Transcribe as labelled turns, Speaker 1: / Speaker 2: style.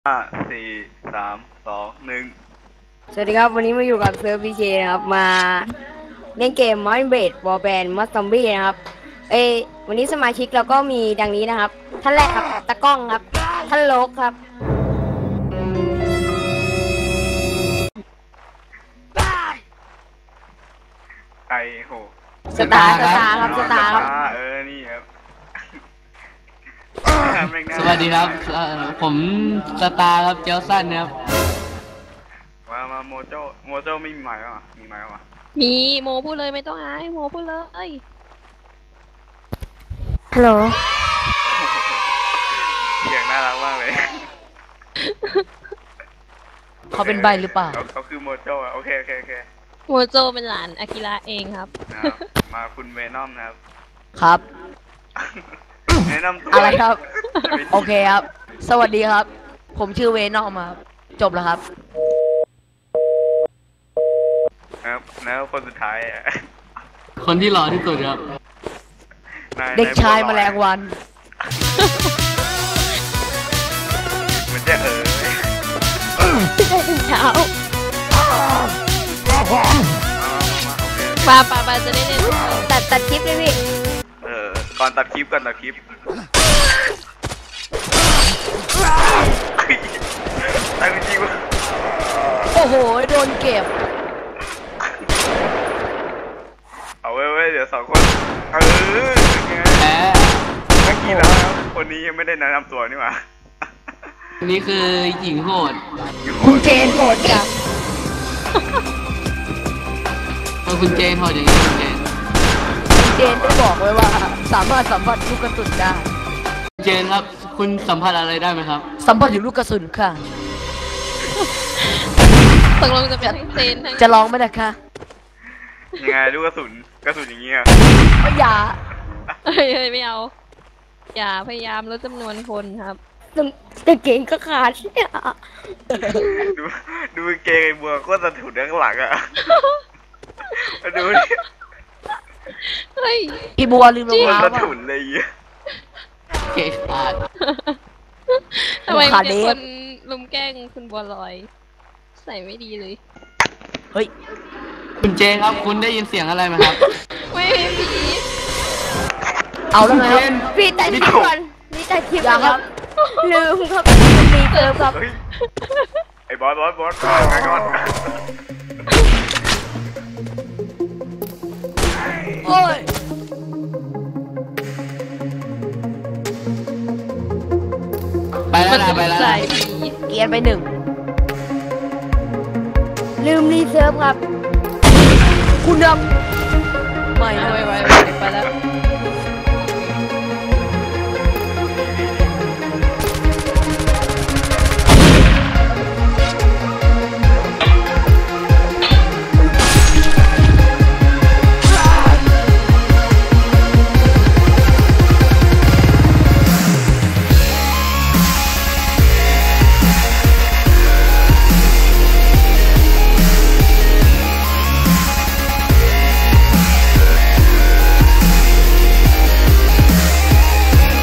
Speaker 1: 5 4 3 2 1
Speaker 2: สวัสดีครับวันนี้มาอยู่กับเซิร์ฟพีเคนะครับมาเล่นเกม Minecraft Warband Mod Zombie นะครับวันนี้สมาชิกเราก็มีดังนี้นะครับท่านแรกครับตะก้องครับท่านโลกครับ
Speaker 1: ไก่โห
Speaker 2: สตาร์ครับ
Speaker 1: นี่ครับ
Speaker 3: สวัสดีครับผมสตาร์ครับเจลสันครับ
Speaker 1: มาโมโจไม่มีไม้หรอมีไม้หรอ
Speaker 4: มีโมพูดเลยไม่ต้องอายโมพูดเลย
Speaker 2: ฮัลโหล
Speaker 1: เสียงน่ารักมากเลย
Speaker 3: เขาเป็นใบหรือเปล่า
Speaker 1: เขาคือโมโจโอเค
Speaker 4: โมโจเป็นหลานอากิระเองครับ
Speaker 1: มาคุณเวนอมนะครับ
Speaker 3: ครับ
Speaker 1: แนะนำตัว
Speaker 3: อะไรครับโอเคครับสวัสดีครับผมชื่อเวนอมครับจบแล้วครับ
Speaker 1: แล้วคนสุดท้าย
Speaker 3: คนที่หล่อที่สุดครับ
Speaker 1: เด็กชาย
Speaker 3: แมลงวัน
Speaker 1: มันจะ
Speaker 4: เช้าปาจะได้เล่น
Speaker 2: ตัดคลิปเลยพี่
Speaker 1: ก่อนตัดคลิปตายจริงวะ
Speaker 3: โอ้โหโดนเก็บ
Speaker 1: เอาไว้เดี๋ยว2 คนแเมื่อกี้แล้วคนนี้ยังไม่ได้แนะนำตัวนี่หว่า
Speaker 3: นี่คือหญิงโหด
Speaker 2: คุณเจนโหดจัง
Speaker 3: คุณเจนโหดอย่างนี้คุณเจนได้บอกไว้ว่าสามารถสัมผัสลูกกระสุนได้เจนครับคุณสัมผัสอะไรได้ไหมครับสัมผัสถึงลูกกระสุนค่ะ
Speaker 4: ตกลงจะเป็นเจน
Speaker 3: จะลองไหมนะคะ
Speaker 1: ยังไงลูกกระสุนอย่างเงี้ย
Speaker 3: อย่า
Speaker 4: ไม่เอาอย่าพยายามลดจำนวนคนครับ
Speaker 2: แต่เก่งก็ขาดเนี่ย
Speaker 1: ดูเกงไอ้บัวก็สะถุนข้างหลังอ่ะดู
Speaker 3: อีบัวลืมรองเท้า
Speaker 1: สะถุนเลย
Speaker 3: เกงขาด
Speaker 4: ทำไมมีคนลุมแกล้งคุณบัวลอยใส่ไม่ดีเลย
Speaker 3: เฮ้ยคุณเจนครับคุณได้ยินเสียงอะไรไหมครับ
Speaker 4: ไม่มี
Speaker 3: เอาแล้วไง
Speaker 2: พี่แต่คลิปก่อนนี่แต่คลิปครับลืมครับมีเติมครับ
Speaker 1: ไอ้บอสไงก่อน
Speaker 3: โอ้ยไปแล้วเกียร์ไป1
Speaker 2: ลืมรีเซิร์ฟครับคุณดำ
Speaker 4: ไม่ไปแล้ว